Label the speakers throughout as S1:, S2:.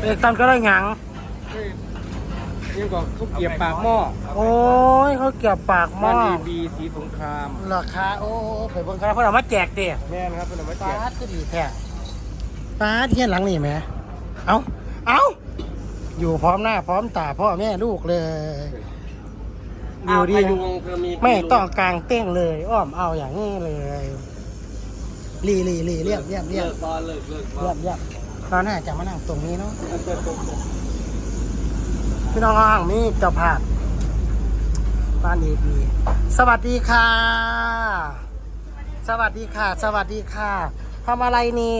S1: อกตันก็ได้หยัง
S2: นี่ก็เขาเกียบปากหม้อ
S1: โอ้ยเขาเก็บปากหม้อ
S2: บ้านดีสีสงคราม
S1: ราคาโอ้ไปเบิ่งกันเพิ่นเอามาแจกเด้
S2: แม่นครับเป็นเอาไว้แจ
S1: ป้าก ก็ดีแท้ป้าเที่ยนหลังนี่แหมเอาอยู่พร้อมหน้าพร้อมตาพ่อแม่ลูกเลยอยู่ดีไม่ต้องกลางเต้งเลยอ้อมเอาอย่างนี้เลยลีเรียบ
S2: บอลเลย
S1: ตอนหน้าจะมานั่งตรงนี้เนาะพี่น้องนี่เจ้าภาพบ้านดีสวัสดีค่ะสวัสดีค่ะทำอะไรนี่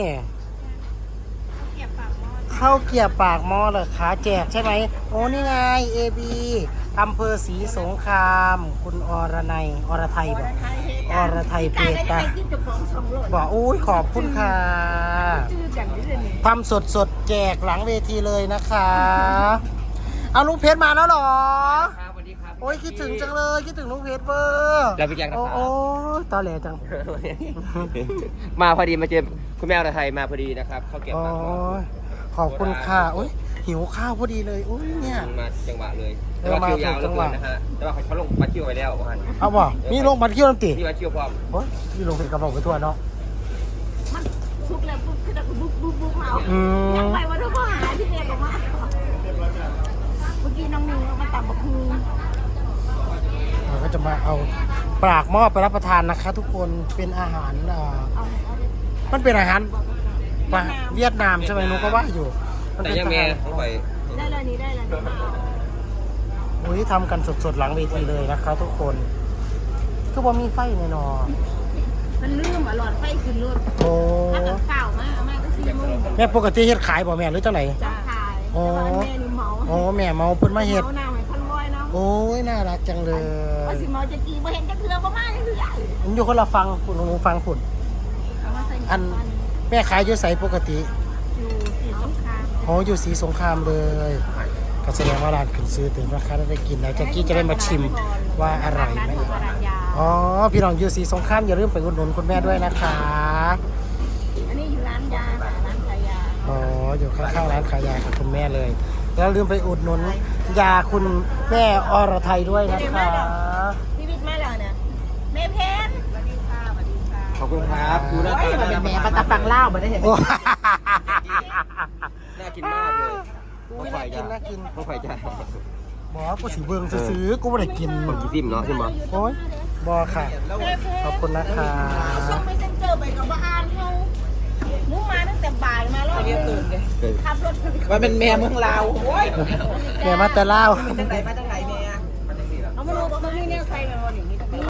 S1: ข้าวเกี๊ยวปากหม้อเหรอคะแจกใช่ไหมโอ้นี่ไงABอำเภอศรีสงครามคุณอรไทยบอกอรไทยเพจตาบอกอุ้ยขอบคุณค่ะทำสดแจกหลังเวทีเลยนะคะเอาลุงเพชรมาแล้วหรอ
S2: ครับสวัสดีครับ
S1: โอ้ยคิดถึงจังเลยคิดถึงลุงเพชรเบอร์
S2: แล้วพี่แจ็คนะครับ
S1: โอ้ยตอแหลจัง
S2: มาพอดีมาเจอคุณแม่อรไทยมาพอดีนะครับเขาเก็บมา
S1: ขอบคุณค่ะโอ้ยหิวข้าวพอดีเลยอุ้ยเนี่ย
S2: มาจังหวะเลยแต่ว่าคิวยาวเหลือเกินนะฮะแต่ว่าเขาลงบัตรคิวไปแล้วว่า
S1: เอาบ่มีลงบัตรคิวน้ำตี
S2: มีบัตรคิวพร้อม
S1: โอ้ยมีลงเป็นกระบอกไปทั่วเนาะ
S3: มันซุกแล้วปุ๊บคือแบบบุ๊บเอายังไปวันทุกข้อหาที่เรียนออกมาเมื่อกี้น้องนิวมาตับบักฮู
S1: เราก็จะมาเอาปากหม้อไปรับประทานนะคะทุกคนเป็นอาหารมันเป็นอาหารเวียดนามใช่ไหมนุก็ว่าอยู่
S2: แต่ยังแม่ต้องไป
S3: ได้เลยนี้ได้เลย
S1: โอ้ยทำกันสดๆหลังเวทีเลยนะคะทุกคนคือว่ามีไฟแน่นอน
S3: มันลืมหลอดไฟขึ้นรถ
S1: โอ้
S3: ถ้าเกิดเปล่ามากก็ซื้อมึง
S1: แม่ปกติเฮ็ดขายบ่แม่หรือจังไหน
S3: จะขายแต่ว่าแม่นี่เมา
S1: แม่เมาเพิ่นมาเฮ็ด
S3: เมาหน้าให้พันร้อยเนาะ
S1: โอ้ยน่ารักจังเลย
S3: ว่าสิเมาจะกี่บ่เห็นจะเทือบ่มากเลยใหญ่
S1: ผมอยู่คนละฟังคุณหนูฟังคุณอันแม่ขายอยู่ไสปกติ
S3: อยู่สีสงคราม
S1: อยู่สีสงครามเลยก็แสดงว่าร้านขึ้นซื้อถึงราคาได้กินแล้วแจ็คกี้จะได้มาชิมว่าอร่อยไหมพี่น้องอยู่สีสงครามอย่าลืมไปอุดหนุนคุณแม่ด้วยนะคะ
S3: อันนี้อยู่ร้านยาร้านขายยา
S1: อยู่ข้างๆร้านขายยาของคุณแม่เลยแล้วลืมไปอุดหนุนยาคุณแม่อรไทยด้วยนะคะ
S3: พี่บิ๊กมาแล้วเนี่ยแม่เพนสวัสดีค่ะ
S2: ขอบคุณครับดูหน้าตา
S3: แม่ปลาตาฟังเล่ามาได้เห็น
S2: น่ากินมากเลย
S1: น่ากิน
S2: ไม่ค่อยจะ
S1: บอกกูสิเบิ่งซื้อกูไม่ได้กิน
S2: ผมกินซิมเนาะใช่ไหม
S1: โอ้ยบอค่ะขอบคุณนะคะ
S3: ช่วงไม่เซ็นเจอไปกับบ้านเขามุ้งมาตั้งแต่บ่ายมาแล้วเรียกตื่นเลยขับรถ
S2: มันเป็นแม่เมืองลาวโอ้ย
S1: แม่มาแต่ลาว
S3: มาตั้งไหนแม่เอามาดูว่าเขามีแนวใส่มาวันนี้